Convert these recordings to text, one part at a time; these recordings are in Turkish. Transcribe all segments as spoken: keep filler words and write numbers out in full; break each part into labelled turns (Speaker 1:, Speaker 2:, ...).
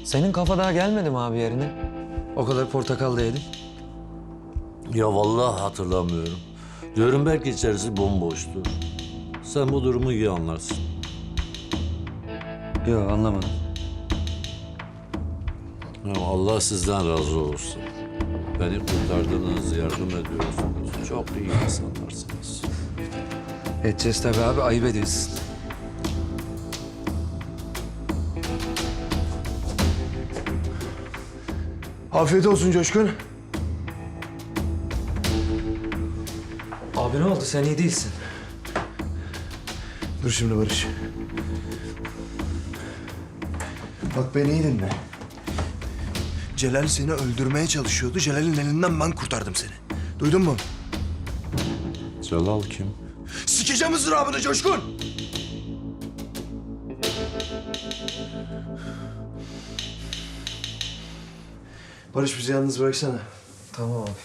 Speaker 1: Senin kafa daha gelmedi mi abi yerine? O kadar portakal da yedin.
Speaker 2: Ya vallahi hatırlamıyorum. Diyorum belki içerisi bomboştu. Sen bu durumu iyi anlarsın.
Speaker 1: Yok anlamadım.
Speaker 2: Ya Allah sizden razı olsun. Beni kurtardınız, yardım ediyorsunuz. Çok iyi insanlarsınız.
Speaker 1: Edeceğiz tabii abi, ayıp ediyorsun.
Speaker 3: Afiyet olsun Coşkun.
Speaker 1: Abi ne oldu, sen iyi değilsin.
Speaker 3: Dur şimdi Barış. Bak beni iyi dinle. Celal seni öldürmeye çalışıyordu. Celal'in elinden ben kurtardım seni. Duydun mu?
Speaker 2: Celal kim?
Speaker 3: Sikeceğim ızdırabını Coşkun! Barış bizi yalnız bıraksana.
Speaker 1: Tamam abi.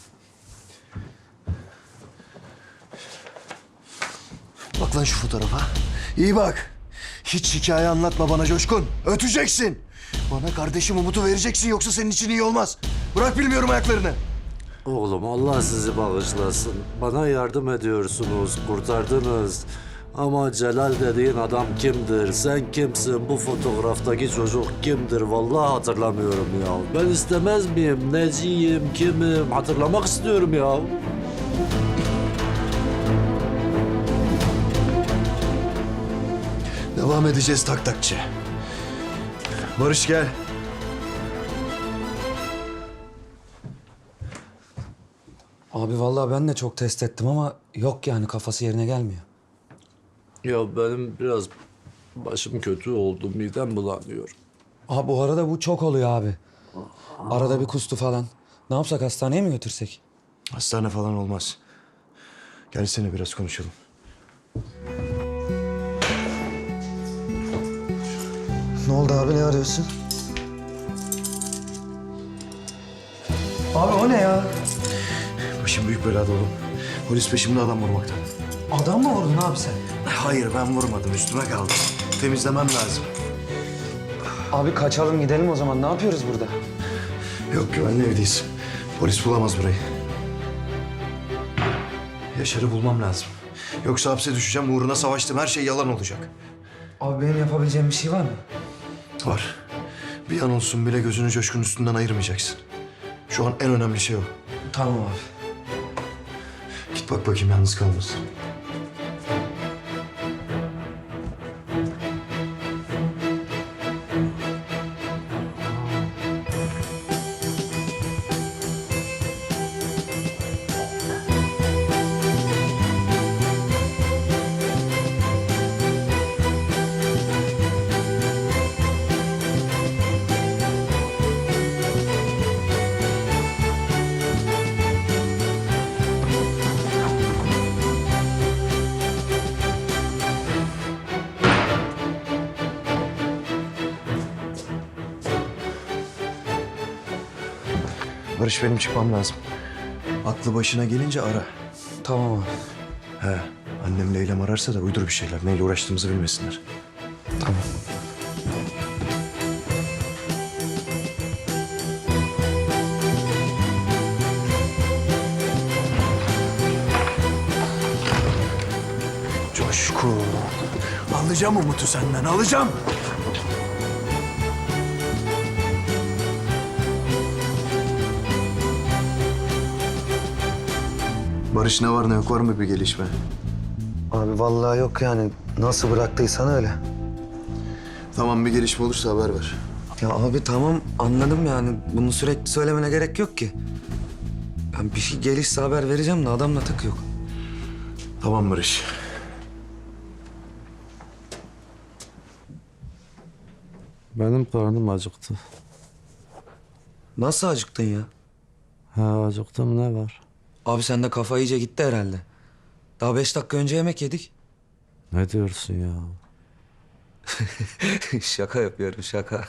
Speaker 3: Bak lan şu fotoğrafa. İyi bak. Hiç hikaye anlatma bana Coşkun. Öteceksin. Bana kardeşim Umut'u vereceksin yoksa senin için iyi olmaz. Bırak bilmiyorum ayaklarını.
Speaker 2: Oğlum Allah sizi bağışlasın. Bana yardım ediyorsunuz, kurtardınız. Ama Celal dediğin adam kimdir? Sen kimsin? Bu fotoğraftaki çocuk kimdir? Vallahi hatırlamıyorum ya. Ben istemez miyim? Neciyim? Kimim? Hatırlamak istiyorum ya.
Speaker 3: Devam edeceğiz tak takçı. Barış gel.
Speaker 1: Abi vallahi ben de çok test ettim ama yok yani, kafası yerine gelmiyor.
Speaker 2: Ya benim biraz başım kötü oldu. Midem bulanıyor.
Speaker 1: Abi bu arada bu çok oluyor abi. Arada bir kustu falan. Ne yapsak, hastaneye mi götürsek?
Speaker 3: Hastane falan olmaz. Gelsene biraz konuşalım. Ne oldu abi, ne arıyorsun?
Speaker 1: Abi o ne ya?
Speaker 3: Başım büyük belada oğlum. Polis peşimde adam vurmaktan.
Speaker 1: Adam mı vurdun abi sen?
Speaker 3: Hayır ben vurmadım, üstüme kaldı. Temizlemem lazım.
Speaker 1: Abi kaçalım gidelim o zaman. Ne yapıyoruz burada?
Speaker 3: Yok güvenli evdeyiz. Polis bulamaz burayı. Yaşar'ı bulmam lazım. Yoksa hapse düşeceğim, uğruna savaştım. Her şey yalan olacak.
Speaker 1: Abi benim yapabileceğim bir şey var mı?
Speaker 3: Var. Bir an olsun bile gözünü Coşkun üstünden ayırmayacaksın. Şu an en önemli şey o.
Speaker 1: Tamam abi.
Speaker 3: Git bak bakayım yalnız kalmasın. Barış benim çıkmam lazım. Aklı başına gelince ara.
Speaker 1: Tamam abi.
Speaker 3: He, annem Leyla'm ararsa da uydur bir şeyler. Neyle uğraştığımızı bilmesinler.
Speaker 1: Tamam.
Speaker 3: Coşkun. Alacağım Umut'u senden, alacağım. Barış ne var ne yok, var mı bir gelişme?
Speaker 1: Abi vallahi yok yani. Nasıl bıraktıysan öyle.
Speaker 3: Tamam, bir gelişme olursa haber ver.
Speaker 1: Ya abi tamam, anladım yani. Bunu sürekli söylemene gerek yok ki. Ben bir şey gelişse haber vereceğim de adamla tık yok.
Speaker 3: Tamam Barış.
Speaker 2: Benim karnım acıktı.
Speaker 1: Nasıl acıktın ya?
Speaker 2: Ha acıktım, ne var?
Speaker 1: Abi sende kafa iyice gitti herhalde. Daha beş dakika önce yemek yedik.
Speaker 2: Ne diyorsun ya?
Speaker 1: Şaka yapıyorum, şaka.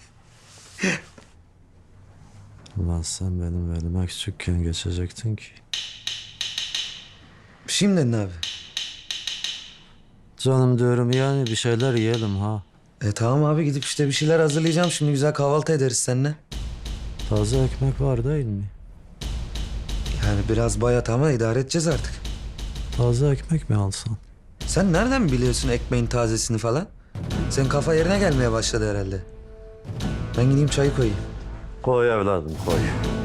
Speaker 2: Ulan sen benim elime küçükken geçecektin ki.
Speaker 1: Şimdi ne abi?
Speaker 2: Canım diyorum yani bir şeyler yiyelim ha.
Speaker 1: E tamam abi gidip işte bir şeyler hazırlayacağım. Şimdi güzel kahvaltı ederiz seninle.
Speaker 2: Taze ekmek var değil mi?
Speaker 1: Yani biraz bayat ama idare edeceğiz artık.
Speaker 2: Taze ekmek mi alsan?
Speaker 1: Sen nereden biliyorsun ekmeğin tazesini falan? Senin kafa yerine gelmeye başladı herhalde. Ben gideyim çayı koyayım.
Speaker 2: Koy evladım koy.